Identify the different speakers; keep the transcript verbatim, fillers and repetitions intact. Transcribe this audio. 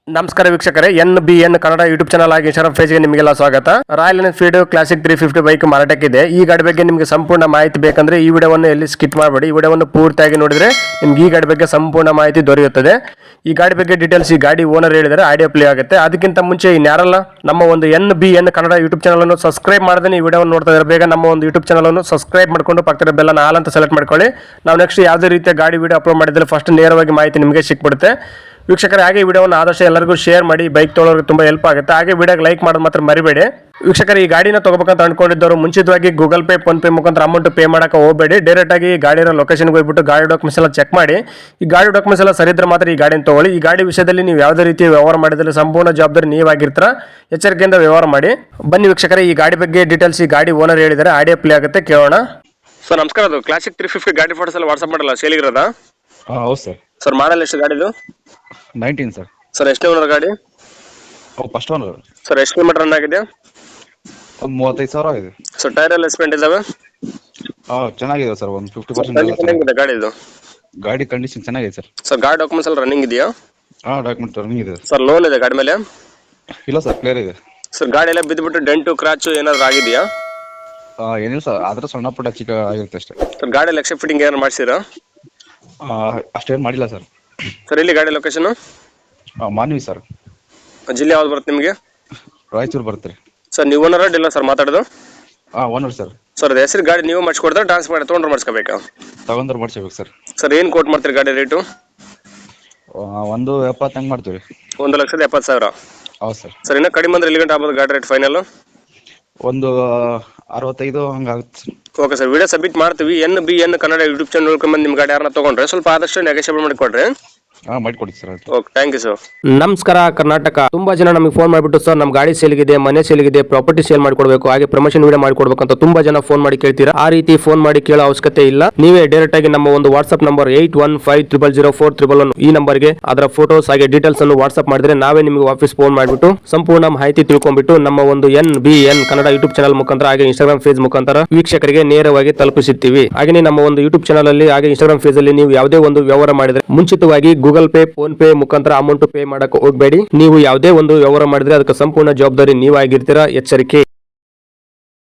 Speaker 1: ನಮಸ್ಕಾರ ವೀಕ್ಷಕರೇ, N B N Kannada YouTube channel ಆಗಿ ಇನ್ಸ್ಟಾಗ್ರಾಮ್ ಪೇಜ್ಗೆ ನಿಮಗೆಲ್ಲ ಸ್ವಾಗತ. Royal Enfield Classic three fifty bike ಮಾರಾಟಕ್ಕಿದೆ. ಈ ಗಾಡಿ ಬಗ್ಗೆ ನಿಮಗೆ ಸಂಪೂರ್ಣ ಮಾಹಿತಿ ಬೇಕಂದ್ರೆ ಈ ವಿಡಿಯೋವನ್ನು ಎಲ್ಲಿ ಸ್ಕಿಪ್ ಮಾಡಬೇಡಿ. ಈ ವಿಡಿಯೋವನ್ನು ಪೂರ್ತಿಯಾಗಿ ನೋಡಿದ್ರೆ ನಿಮ್ಗೆ ಈ ಗಾಡಿ ಬಗ್ಗೆ ಸಂಪೂರ್ಣ ಮಾಹಿತಿ ದೊರೆಯುತ್ತದೆ. ಈ ಗಾಡಿ ಬಗ್ಗೆ ಡೀಟೇಲ್ಸ್ ಈ ಗಾಡಿ ಓನರ್ ಹೇಳಿದರೆ ಆಡಿಯೋ ಪ್ಲೇ ಆಗುತ್ತೆ. ಅದಕ್ಕಿಂತ ಮುಂಚೆ ಇನ್ಯಾರಲ್ಲ ನಮ್ಮ ಒಂದು N B N Kannada YouTube channel ಅನ್ನು ಸಬ್ಸ್ಕ್ರೈಬ್ ಮಾಡದೆ ಈ ವಿಡಿಯೋವನ್ನು ನೋಡ್ತಾ ಇದ್ದಾರೆ, ಬೇಗ ನಮ್ಮ ಒಂದು ಯೂಟ್ಯೂಬ್ ಚಾನಲ್ ಅನ್ನು ಸಬ್ಸ್ಕ್ರೈಬ್ ಮಾಡ್ಕೊಂಡು ಪಕ್ಕದ ಬೆಲ್ಲನ ಆಲ್ ಅಂತ ಸೆಲೆಕ್ಟ್ ಮಾಡ್ಕೊಳ್ಳಿ. ನಾವು ನೆಕ್ಸ್ಟ್ ಯಾವುದೇ ರೀತಿಯ ಗಾಡಿ ವಿಡಿಯೋ ಅಪ್ಲೋಡ್ ಮಾಡಿದ್ರೆ ಫಸ್ಟ್ ನೇರವಾಗಿ ಮಾಹಿತಿ ನಿಮಗೆ ಸಿಕ್ಬಿಡುತ್ತೆ. ವೀಕ್ಷಕರೇ, ಹಾಗೆ ವಿಡಿಯೋವನ್ನು ಆದಷ್ಟು ಎಲ್ಲರಿಗೂ ಶೇರ್ ಮಾಡಿ, ಬೈಕ್ ತೊಗೊಳೋರಿಗೆ ತುಂಬ ಹೆಲ್ಪ್ ಆಗುತ್ತೆ. ಹಾಗೆ ವಿಡಿಯೋಗೆ ಲೈಕ್ ಮಾಡೋದು ಮಾತ್ರ ಮರಿಬೇಡಿ. ವೀಕ್ಷಕರೇ, ಈ ಗಾಡಿನ ತಗೋಬೇಕಂತ ಅನ್ಕೊಂಡಿದ್ದವರು ಮುಂಚಿತವಾಗಿ ಗೂಗಲ್ ಪೇ, ಫೋನ್ ಪೇ ಮುಖಾಂತರ ಅಮೌಂಟ್ ಪೇ ಮಾಡೋಕೆ ಹೋಗಬೇಡಿ. ಡೈರೆಕ್ಟ್ ಆಗಿ ಗಾಡಿಯ ಲೊಕೇಶನ್ಗೆ ಹೋಗ್ಬಿಟ್ಟು ಗಾಡಿ ಡಾಕ್ಯುಮೆಂಟ್ಸ್ ಎಲ್ಲ ಚೆಕ್ ಮಾಡಿ. ಈ ಗಾಡಿ ಡಾಕ್ಯುಮೆಂಟ್ಸ್ ಎಲ್ಲ ಸರಿ ಇದ್ರೆ ಮಾತ್ರ ಈ ಗಾಡಿನ ತಗೊಳ್ಳಿ. ಈ ಗಾಡಿ ವಿಷಯದಲ್ಲಿ ನೀವು ಯಾವುದೇ ರೀತಿಯ ವ್ಯವಹಾರ ಮಾಡಿದ್ರೆ ಸಂಪೂರ್ಣ ಜವಾಬ್ದಾರಿ ನೀವಾಗಿರ್ತೀರ, ಎಚ್ಚರಿಕೆಯಿಂದ ವ್ಯವಹಾರ ಮಾಡಿ. ಬನ್ನಿ ವೀಕ್ಷಕರೇ, ಈ ಗಾಡಿ ಬಗ್ಗೆ ಡೀಟೇಲ್ಸ್ ಈ ಗಾಡಿ ಓನರ್ ಹೇಳಿದರೆ ಆಡಿಯೋ ಪ್ಲೇ ಆಗುತ್ತೆ, ಕೇಳೋಣ. ಸರ್ ನಮಸ್ಕಾರ, ಅದು ಕ್ಲಾಸಿಕ್ ತ್ರೀ ಫಿಫ್ಟಿ ಗಾಡಿ ಫೋಟೋಸ್ ಎಲ್ಲ ವಾಟ್ಸಪ್ ಮಾಡಲ್ಲ ಸೇಲಿಗಿರೋದಾ?
Speaker 2: ಹಾಂ ಹೌದು ಸರ್.
Speaker 1: ಸರ್ ಮಾಡಲ್ ಎಷ್ಟು ಗಾಡಿದು?
Speaker 2: Nineteen sir.
Speaker 1: ಸರ್ ಎಷ್ಟು ಓನರ್ ಗಾಡಿ?
Speaker 2: ಓ ಫಸ್ಟ್ ಓನರ್.
Speaker 1: ಸರ್ ಎಷ್ಟು ಕಿಲೋಮೀಟರ್ ರನ್ ಆಗಿದೆ?
Speaker 2: ಒಂದು ಮೂವತ್ತೈದು ಸಾವಿರ ಆಗಿದೆ.
Speaker 1: ಸರ್ ಟೈರ್ ಎಲ್ಲ ಸ್ಪೆಂಟ್ ಇದಾವೆ?
Speaker 2: ಹಾಂ ಚೆನ್ನಾಗಿದೆ ಸರ್, ಒಂದು ಫಿಫ್ಟಿ ಪರ್ಸೆಂಟ್
Speaker 1: ಹೆಂಗಿದೆ ಗಾಡಿದು?
Speaker 2: ಗಾಡಿ ಕಂಡೀಷನ್ ಚೆನ್ನಾಗಿದೆ ಸರ್.
Speaker 1: ಸರ್ ಗಾಡಿ ಡಾಕ್ಯುಮೆಂಟ್ಸ್ ಎಲ್ಲ ರನ್ನಿಂಗ್ ಇದೆಯಾ?
Speaker 2: ಹಾಂ ಡಾಕ್ಯುಮೆಂಟ್ ರನ್ನಿಂಗ್ ಇದೆ
Speaker 1: ಸರ್. ಲೋನ್ ಇದೆ ಗಾಡಿ ಮೇಲೆ?
Speaker 2: ಇಲ್ಲ ಸರ್, ಕ್ಲಿಯರ್ ಇದೆ.
Speaker 1: ಸರ್ ಗಾಡಿ ಎಲ್ಲ ಬಿದ್ದುಬಿಟ್ಟು ಡೆಂಟು ಕ್ರಾಚು ಏನಾದ್ರು ಆಗಿದೆಯಾ?
Speaker 2: ಹಾಂ ಏನಿಲ್ಲ ಸರ್, ಆದರೆ ಸಣ್ಣ ಪುಟ್ಟ ಚಿಕ್ಕ ಆಗಿರುತ್ತೆ ಅಷ್ಟೇ.
Speaker 1: ಸರ್ ಗಾಡಿ ಎಲ್ಲ ಎಕ್ಸೆಪ್ಟ್ ಫಿಟ್ಟಿಂಗ್ ಏನಾರು ಮಾಡಿಸಿರಾ?
Speaker 2: ಅಷ್ಟೇನು ಮಾಡಿಲ್ಲ ಸರ್.
Speaker 1: ಸರ್ ಇಲ್ಲಿ ಗಾಡಿ ಲೊಕೇಶನ್?
Speaker 2: ಹಾಂ ಮಾನ್ವಿ ಸರ್.
Speaker 1: ಜಿಲ್ಲೆ ಯಾವ್ದು ಬರುತ್ತೆ ನಿಮಗೆ?
Speaker 2: ರಾಯಚೂರು ಬರುತ್ತೆ ರೀ.
Speaker 1: ಸರ್ ನೀವು ಓನರ್ ಇಲ್ಲ ಸರ್ ಮಾತಾಡೋದು?
Speaker 2: ಹಾಂ ಓನರ್ ಸರ್.
Speaker 1: ಸರ್ ಅದು ಹೆಸರು ಗಾಡಿ ನೀವು ಮಾಡಿಸ್ಕೊಡ್ತಾರೆ, ಟ್ರಾನ್ಸ್ಫರ್ ಮಾಡಿ ತೊಗೊಂಡ್ರೆ ಮಾಡಿಸ್ಕೋಬೇಕಾ?
Speaker 2: ತಗೊಂಡ್ರೆ ಮಾಡಿಸ್ಬೇಕು ಸರ್.
Speaker 1: ಸರ್ ಏನು ಕೋಟ್ ಮಾಡ್ತೀರಿ ಗಾಡಿ ರೇಟು?
Speaker 2: ಒಂದು ಎಪ್ಪತ್ತು ಹಂಗೆ ಮಾಡ್ತೀವಿ.
Speaker 1: ಒಂದು ಲಕ್ಷದ ಎಪ್ಪತ್ತು ಸಾವಿರ?
Speaker 2: ಹೌದು ಸರ್.
Speaker 1: ಸರ್ ಇನ್ನೂ ಕಡಿಮೆ ಅಂದ್ರೆ ಎಲ್ಲಿ ಗಂಟೆ ಆಗ್ಬೋದು ಗಾಡಿ ರೇಟ್ ಫೈನಲ್?
Speaker 2: ಒಂದು ಅರವತ್ತೈದು ಹಂಗೆ ಆಗುತ್ತೆ sir.
Speaker 1: Okay sir, video submit ಮಾಡ್ತೀವಿ. N B N Kannada YouTube channel ನೋಡ್ಕೊಂಡು ನಿಮ್ಮ ಗಾಡಿ ಯಾರನ್ನ ತೊಗೊಂಡ್ರೆ ಸ್ವಲ್ಪ ಆದಷ್ಟು ನೆಗೋಷಿಯೇಬಲ್ ಮಾಡಿಕೊಡ್ರಿ.
Speaker 2: ಹಾಂ ಮಾಡಿಕೊಡಿ sir.
Speaker 1: Okay, thank you sir.
Speaker 3: ನಮಸ್ಕಾರ ಕರ್ನಾಟಕ. ತುಂಬಾ ಜನ ನಮಗೆ ಫೋನ್ ಮಾಡಿಬಿಟ್ಟು ಸರ್ ನಮ್ಮ ಗಾಡಿ ಸೇಲ್ಗಿದೆ, ಮನೆ ಸೇಲ್ಗಿದೆ, ಪ್ರಾಪರ್ಟಿ ಸೇಲ್ ಮಾಡ್ಕೊಡ್ಬೇಕು, ಹಾಗೆ ಪ್ರಮೋಷನ್ ವಿಡಿಯೋ ಮಾಡ್ಕೊಡ್ಬೇಕು ಅಂತ ತುಂಬಾ ಜನ ಫೋನ್ ಮಾಡಿ ಕೇಳ್ತೀರಾ. ಆ ರೀತಿ ಫೋನ್ ಮಾಡಿ ಕೇಳೋ ಅವಶ್ಯಕತೆ ಇಲ್ಲ. ನೀವೇ ಡೈರೆಕ್ಟ್ ಆಗಿ ನಮ್ಮ ಒಂದು WhatsApp number eight one five triple zero four triple one ಈ ನಂಬರ್ಗೆ ಅದರ ಫೋಟೋಸ್ ಹಾಗೆ ಡೀಟೇಲ್ಸ್ ಅನ್ನು ವಾಟ್ಸ್ಆಪ್ ಮಾಡಿದ್ರೆ ನಾವೇ ನಿಮಗೆ ವಾಪಸ್ ಫೋನ್ ಮಾಡಿಬಿಟ್ಟು ಸಂಪೂರ್ಣ ಮಾಹಿತಿ ತಿಳ್ಕೊಂಡ್ಬಿಟ್ಟು ನಮ್ಮ ಒಂದು N B N Kannada YouTube channel ಮುಖಾಂತರ ಹಾಗೆ ಇನ್ಸ್ಟಾಗ್ರಾಮ್ ಪೇಜ್ ಮುಖಾಂತರ ವೀಕ್ಷಕರಿಗೆ ನೇರವಾಗಿ ತಲುಪಿಸುತ್ತೀವಿ. ಹಾಗೆ ನಮ್ಮ ಒಂದು ಯೂಟ್ಯೂಬ್ ಚಾನಲ್ ಅಲ್ಲಿ ಹಾಗೆ ಇನ್ಸ್ಟಾಗ್ರಾಮ್ ಪೇಜ್ ಅಲ್ಲಿ ನೀವು ಯಾವುದೇ ಒಂದು ವ್ಯವಹಾರ ಮಾಡಿದ್ರೆ ಮುಂಚಿತವಾಗಿ ಗೂಗಲ್ ಪೇ, ಫೋನ್ ಪೇ ಮುಖಾಂತರ ಅಮೌಂಟ್ ಪೇ ಮಾಡಕ್ಕೆ ಹೋಗಬೇಡಿ. ನೀವು ಯಾವುದೇ ಒಂದು ವ್ಯವಹಾರ ಮಾಡಿದ್ರೆ ಅದಕ್ಕೆ ಸಂಪೂರ್ಣ ಜವಾಬ್ದಾರಿ ನೀವಾಗಿರ್ತೀರಾ, ಎಚ್ಚರಿಕೆ.